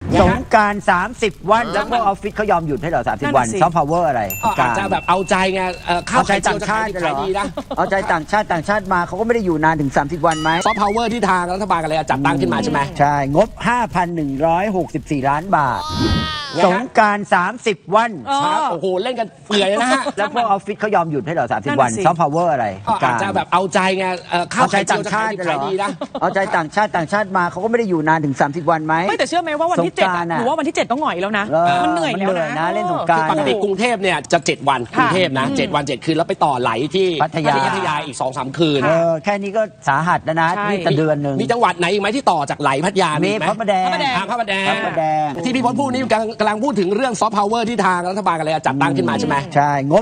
สงกรานต์30 วันแล้วพวกออฟฟิศเขายอมหยุดให้เหรอ30 วันซอฟต์พาวเวอร์อะไรอาจจะแบบเอาใจไงข้าวใจต่างชาติเหรอเอาใจต่างชาติมาเขาก็ไม่ได้อยู่นานถึง30 วันไหมซอฟต์พาวเวอร์ที่ทางรัฐบาลกันเลยจัดตั้งขึ้นมาใช่ไหมใช่งบ 5,164 ล้านบาทสงกรานต์30 วันโอ้โหเล่นกันเปื่อยนะฮะแล้วพวกออฟฟิศเขายอมหยุดให้เหรอ30 วันซอฟต์พาวเวอร์อะไรอาจจะแบบเอาใจไงข้าวใจต่างชาติเหรอเอาใจต่างชาติมาเขาก็ไม่ได้อยู่นานถึง30 วันไหมไม่แต่เชื่อไหมว่าวันที่7หนูว่าวันที่7ต้องหน่อยแล้วนะมันเหนื่อยแล้วนะเล่นสงกรานต์ปกติกรุงเทพเนี่ยจะ7 วันกรุงเทพนะ7 วัน 7 คืนแล้วไปต่อไหลที่พัทยาอีก 2-3 คืนแค่นี้ก็สาหัสแล้วนะนี่จะเดือนหนึ่งมีจังหวัดไหนอีกไหมที่ต่อจากไหลพัทยามีพระประแดงที่พี่พจน์พูดนี่กำลังพูดถึงเรื่องซอฟต์พาวเวอร์ที่ทางรัฐบาลกันเลยจัดตั้งขึ้นมาใช่ไหมใช่งบ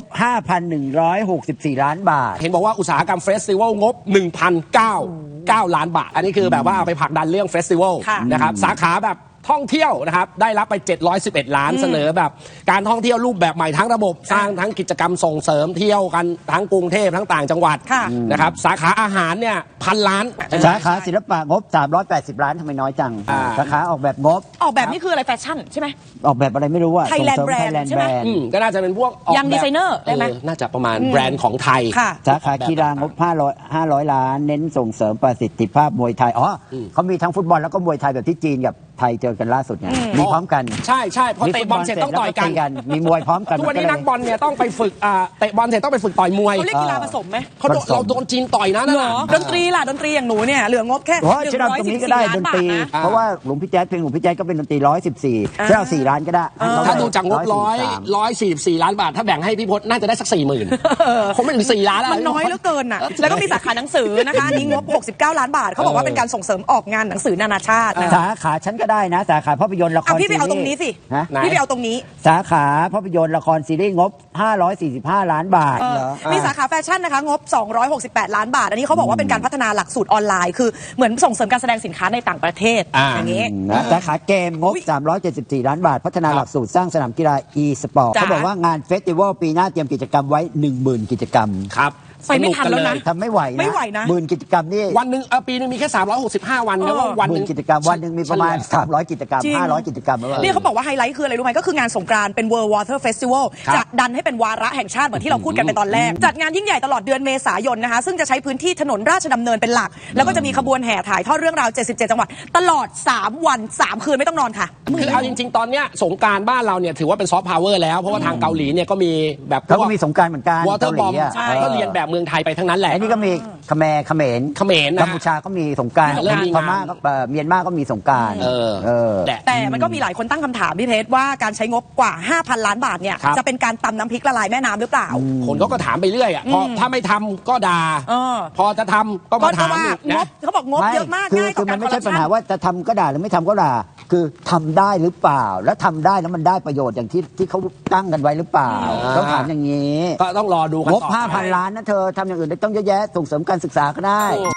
5,164 ล้านบาทเห็นบอกว่าอุตสาหกรรมเฟสติวัลงบ 1,009 ล้านบาทอันนี้คือแบบว่าเอาไปผลักดันเรื่องเฟสติวัลนะครับสาขาแบบท่องเที่ยวนะครับได้รับไป711 ล้านเสนอแบบการท่องเที่ยวรูปแบบใหม่ทั้งระบบสร้างทั้งกิจกรรมส่งเสริมเที่ยวกันทั้งกรุงเทพทั้งต่างจังหวัดนะครับสาขาอาหารเนี่ย1,000 ล้านสาขาศิลปะงบ380 ล้านทำไมน้อยจังสาขาออกแบบงบออกแบบนี่คืออะไรแฟชั่นใช่ไหมออกแบบอะไรไม่รู้ว่าไทยแลนด์แบรนด์ใช่ไหมก็น่าจะเป็นพวกยังดีไซเนอร์ได้ไหมน่าจะประมาณแบรนด์ของไทยสาขากีฬางบ500 ล้านเน้นส่งเสริมประสิทธิภาพมวยไทยเขามีทั้งฟุตบอลแล้วก็มวยไทยแบบที่จีนกับไทยเจอกันล่าสุดไงมีพร้อมกันใช่พอเตะบอลเสร็จต้องต่อยกันมีมวยพร้อมกันทุกวันนี้นักบอลเนี่ยต้องไปฝึกเตะบอลเสร็จต้องไปฝึกต่อยมวยเขาเรียกกีฬาผสมไหมเราโดนจีนต่อยนะนั่นดนตรีล่ะดนตรีอย่างหนูเนี่ยเหลืองบแค่ 114 ล้านบาทเพราะว่าหลวงพี่แจ๊ดเพลงหลวงพี่แจ๊ดก็เป็นดนตรี114เรา4 ล้านก็ได้ถ้าดูจากงบ144 ล้านบาทถ้าแบ่งให้พี่พจน์น่าจะได้สัก 40,000คงไม่ถึง4 ล้านมันน้อยเหลือเกินอ่ะแล้วก็มีสาขาหนังสือนะคะนี้งบ69 ล้านบาทเขาบอกว่าเป็นการส่งเสริมออกงานหนังสือนานาชาติสาขาฉันก็ได้นะสาขาภาพยนตร์ละครพี่ไปเอาตรงนี้สิพี่ไปเอาตรงนี้สาขาภาพยนตร์ละครซีรีส์งบ545 ล้านบาทมีสาขาแฟชั่นนะคะงบ268 ล้านบาทอันนี้เขาบอกว่าเป็นการพัฒนาหลักสูตรออนไลน์คือเหมือนส่งเสริมการแสดงสินค้าในต่างประเทศอย่างนี้สาขาเกมงบ374 ล้านบาทพัฒนาหลักสูตรสร้างสนามกีฬา e-sport เขาบอกว่างานเฟสติวัลปีหน้าเตรียมกิจกรรมไว้ 10,000 กิจกรรมครับไปไม่ทันแล้วนะทำไม่ไหวนะ10,000 กิจกรรมนี่วันหนึ่งปีนึงมีแค่365 วันนะว่าวันนึงกิจกรรมวันหนึ่งมีประมาณ300 กิจกรรม500 กิจกรรมนี่เขาบอกว่าไฮไลท์คืออะไรรู้ไหมก็คืองานสงกรานต์เป็น World Water Festival จะดันให้เป็นวาระแห่งชาติเหมือนที่เราพูดกันไปตอนแรกจัดงานยิ่งใหญ่ตลอดเดือนเมษายนนะคะซึ่งจะใช้พื้นที่ถนนราชดำเนินเป็นหลักแล้วก็จะมีขบวนแห่ถ่ายทอดเรื่องราว77 จังหวัดตลอด3 วัน 3 คืนไม่ต้องนอนค่ะคือเอาจริงๆตอนเนี้ยสงกรานต์บ้านเราเนี่ยถือว่าเป็นซอฟต์พาวเวอร์แล้วเพราะว่าทางเกาหลีเนี่ยก็มีแบบเขาก็มีสงกรานต์เหมือนกันวอเตอร์บอมก็เรียนแบบเมืองไทยไปทั้งนั้นแหละนี่ก็มีเขมรกัมพูชาก็มีสงกรานต์พม่าก็เมียนมาก็มีสงกรานต์แต่มันก็มีหลายคนตั้งคำถามพี่เพชรว่าการใช้งบกว่า 5,000 ล้านบาทเนี่ยจะเป็นการตำน้ำพริกละลายแม่น้ำหรือเปล่าคนก็ถามไปเรื่อยพอถ้าไม่ทำก็ด่าพอจะทำก็มาถามงบเขาบอกงบเยอะมากง่ายต่อการมันไม่ใช่ปัญหาว่าจะทำก็ด่าหรือไม่ทำก็ด่าคือทำได้หรือเปล่าแล้วทำได้แล้วมันได้ประโยชน์อย่างที่เขาตั้งกันไว้หรือเปล่าต้องถามอย่างนี้ก็ต้องรอดูกันงบ 5,000 ล้านนะเธอทำอย่างอื่นได้ต้องเยอะแยะส่งเสริมการศึกษาก็ได้